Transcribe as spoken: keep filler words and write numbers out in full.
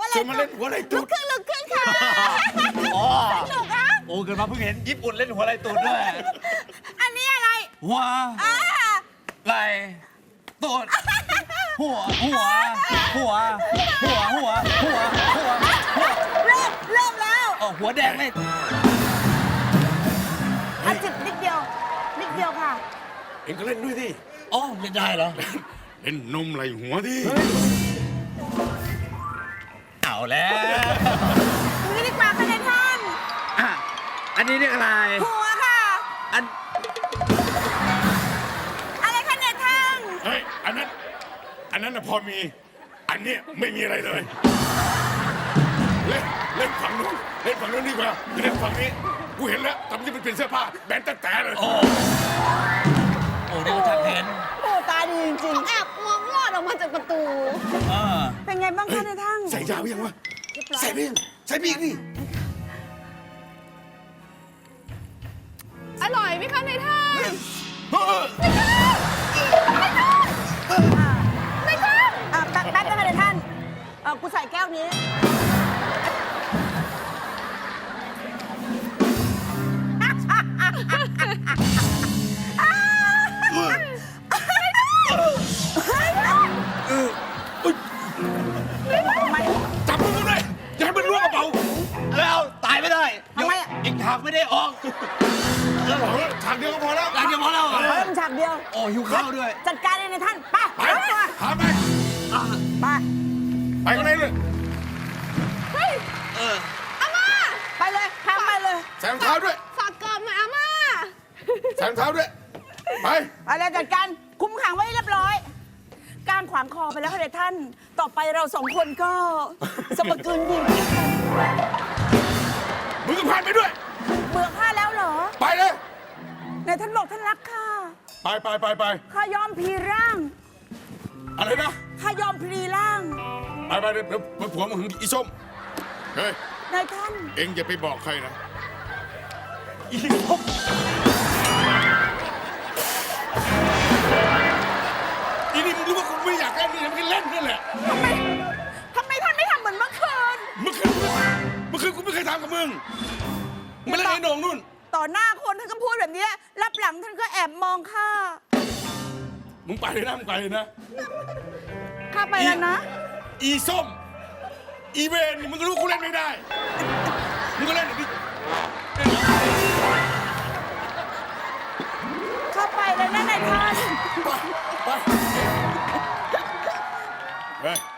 ชวนมาเล่นหัวไหล่ตูลุดกขึ้นลุกขึ้นค่ะอ๋อสนุกอ่ะโอ้เกิดมาเพิ่งเห็นญี่ปุ่นเล่นหัวไหล่ตูดด้วยอันนี้อะไรหัวอ่าไหล่ตูดหัวหัวหัวหัวหัวหัวหัวหัวเริ่มเริ่มแล้วอ๋อหัวแดงเลยอาจิบนิดเดียวนิดเดียวค่ะเอ็งก็เล่นด้วยดิอ๋อเล่นได้เหรอเล่นนมไหล่หัวดิเอาแล้วดูนี่ดีกว่าค่ะนายท่านอ่ะอันนี้เรียกอะไรหัวค่ะอันอะไรคะนายท่านเฮ้ยอันนั้นอันนั้นน่ะพอมี อันเนี้ยไม่มีอะไรเลยเล่นเล่นฝั่งนู้นเล่นฝั่งนู้นดีกว่าเล่นฝั่งนี้กูเห็นแล้วทำที่มันเป็นเสื้อผ้าแบนแต่แต่เลยโอ้โอ้เดี๋ยวจะเห็นโอ้ตาดีจริงๆแอบมองลอดออกมาจากประตูเออเป็นไงบ้างคะนายท่านใส่ยาวยังวะเรียบร้อยใส่ไปยังใส่ไปอีกนี่อร่อยไหมคะนายท่านเฮ้ยนายท่านอ่ะแป๊บแป๊บนะคะนายท่านเออกูใส่แก้วนี้จับมือเลยอย่าให้มันล่วงกระเป๋าแล้วตายไม่ได้ทำไมอ่ะอีกทางไม่ได้ออกเออฉากเดียวก็พอแล้วหลังจากพอแล้วเหรอเพิ่มฉากเดียวโอ้หิวข้าวด้วยจัดการเลยนายท่านไปไปไปหาไปอ่ะไปไปข้างในเลยเฮ้ยเอออาม่าไปเลยพาไปเลยใส่รองเท้าด้วยฝากกรอบหน่อยอาม่าใส่รองเท้าด้วย ไปไปเลยจัดการคุมขังไว้เรียบร้อยกางขวางคอไปแล้วค่ะนายท่าน ต่อไปเราสองคนก็สมกืนดีมึงก็ผ่านไปด้วยเบื่อข้าแล้วเหรอไปเลยนายท่านบอกท่านรักข้าไปไปไปไปข้ายอมพลีร่างอะไรนะข้ายอมพลีร่างไปไปเดี๋ยวเดี๋ยวผัวมึงอีส้ม เฮ้ยนายท่านเอ็งอย่าไปบอกใครนะอีส้มอีนี่มึงรู้ว่ากูไม่อยากเล่นนี่นะมึงเล่นนี่แหละทำไมทำไมท่านไม่ทำเหมือนเมื่อคืนเมื่อคืนเมื่อคืนกูไม่เคยทำกับมึงมึงเล่นไอ้โหน่งนู่นต่อหน้าคนท่านก็พูดแบบนี้รับหลังท่านก็แอบมองข้ามึงไปเลยนะมึงไปเลยนะข้าไปแล้วนะอีส้ม อีเวนนี่มึงก็รู้กูเล่นไม่ได้ มึงก็เล่นอย่างนี้ข้าไปแล้วนะนายท่านไปไปเฮ้ย